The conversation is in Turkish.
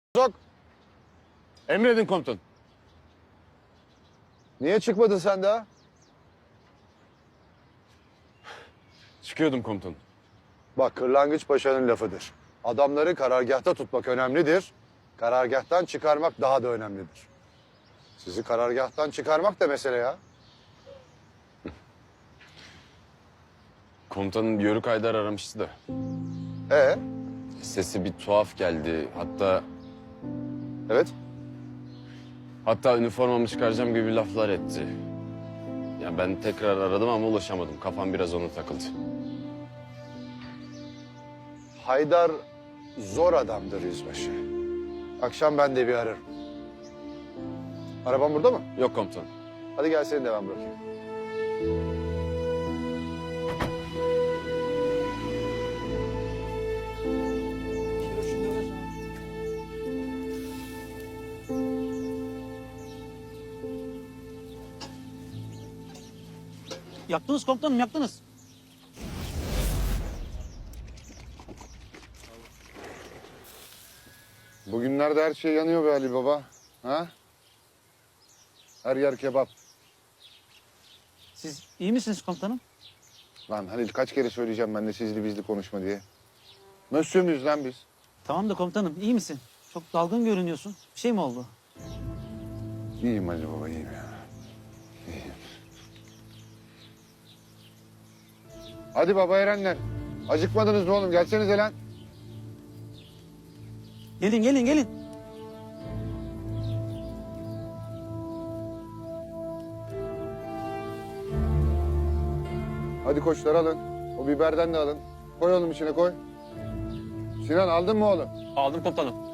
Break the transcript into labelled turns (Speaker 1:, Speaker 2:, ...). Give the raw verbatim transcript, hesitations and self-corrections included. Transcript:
Speaker 1: Sok.
Speaker 2: Emredin komutan.
Speaker 1: Niye çıkmadın sen daha?
Speaker 2: Çıkıyordum komutan.
Speaker 1: Bak, kırlangıç paşanın lafıdır. Adamları karargâhta tutmak önemlidir. Karargâhtan çıkarmak daha da önemlidir. Sizi karargâhtan çıkarmak da mesele ya.
Speaker 2: Komutanın Yörük Haydar aramıştı da.
Speaker 1: Ee,
Speaker 2: Sesi bir tuhaf geldi. Hatta
Speaker 1: evet.
Speaker 2: hatta üniformamı çıkaracağım gibi laflar etti. Ya ben tekrar aradım ama ulaşamadım. Kafam biraz ona takıldı.
Speaker 1: Haydar zor adamdır yüzbaşı. Akşam ben de bir ararım. Araban burada mı?
Speaker 2: Yok komutan.
Speaker 1: Hadi gel seni de ben bırakayım.
Speaker 3: Yaktınız komutanım, yaktınız.
Speaker 1: Bugünlerde her şey yanıyor be Ali Baba. Ha? Her yer kebap.
Speaker 3: Siz iyi misiniz komutanım?
Speaker 1: Lan Halil, kaç kere söyleyeceğim ben de sizli bizli konuşma diye. Mösyö müyüz lan biz?
Speaker 3: Tamam da komutanım, iyi misin? Çok dalgın görünüyorsun. Bir şey mi oldu?
Speaker 1: İyiyim Ali Baba, iyiyim ya. İyiyim. Hadi baba erenler. Acıkmadınız mı oğlum? Gelsenize lan.
Speaker 3: Gelin, gelin, gelin.
Speaker 1: Hadi koçlar alın. O biberden de alın. Koy oğlum içine koy. Sinan aldın mı oğlum?
Speaker 3: Aldım komutanım.